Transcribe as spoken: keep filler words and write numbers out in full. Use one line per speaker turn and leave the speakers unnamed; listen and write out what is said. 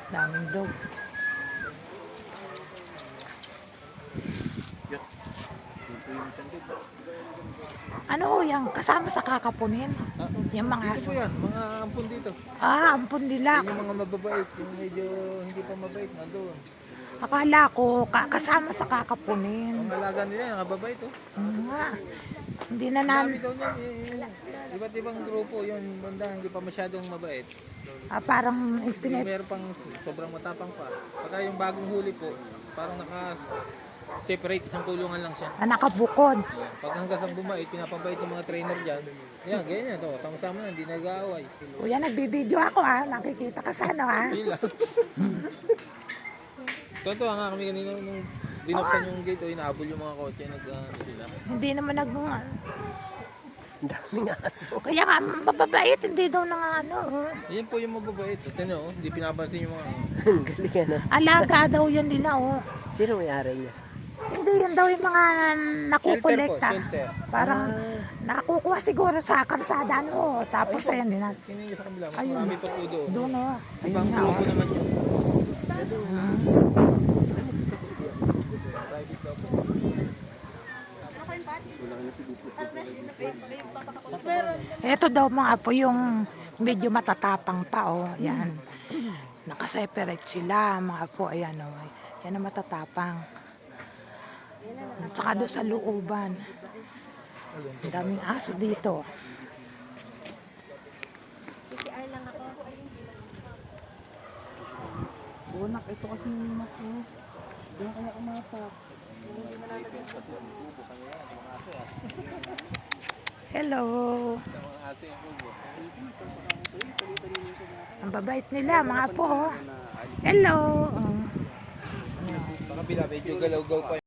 Daming dog. Ano ho yan? Kasama sa kakapunin?
Ah,
Yung mga
dito
aso.
po yan, mga ampun dito.
Ah, ampun nila.
Yan yung mga mababait, yung medyo hindi pa mabait, nandun.
Akala ko ka- kasama sa kakapunin.
Ang alaga nila, yung mababait oh.
Oo nga. Hindi na
Dami
namin.
daw niyan, eh, eh, iba't ibang grupo, yung banda hindi pa masyadong mabait.
Ah, parang
Hindi
itinit.
meron pang sobrang matapang pa. Pagka yung bagong huli po, parang naka-separate, isang kulungan lang siya.
Ah, nakabukod.
Yan. Pag hanggang sa bumait, pinapabait ng mga trainer dyan. Yan, ganyan to. Sama-sama na, hindi nag-aaway.
Kuya, nagbibideo ako ah. Nakikita ka sa ano ah.
Pila. Totoo nga kami kanina nung binuksan yung gate o inaabol yung mga kotse, nag ano sila.
Hindi naman nag...
Ang daming aso.
Kaya nga, mababait. Hindi daw na nga ano. oh.
Yan po yung mababait. Ito nyo, oh, hindi pinapansin yung mga...
Ang galing ano.
Alaga daw yan nila oh.
Sino may-ari niya?
Hindi, yan daw yung mga nakukolekta.
Shelter po, shelter.
Parang nakukuha siguro sa karsada no. Tapos ayan din natin.
Tingnan nyo sa kabila, mas
Ayun.
marami pa po doon.
Doon oh. Ayun
Ibang
nga
grupo
oh.
naman yun.
Hmm.
Private daw po.
Ito daw mga po yung medyo matatapang pa oh. Yan. Nakaseparate sila mga po. Ayan oh. Yan ang matatapang. At saka doon sa looban. Ang daming aso dito.
Bunak, ito kasi yung mat mo. Kaya kaya kumatak.
Hello.
Ang mga aso yung grupo.
Ang babait nila mga po. oh. Hello. Oh.
Sa kabila, medyo galaw-gaw pa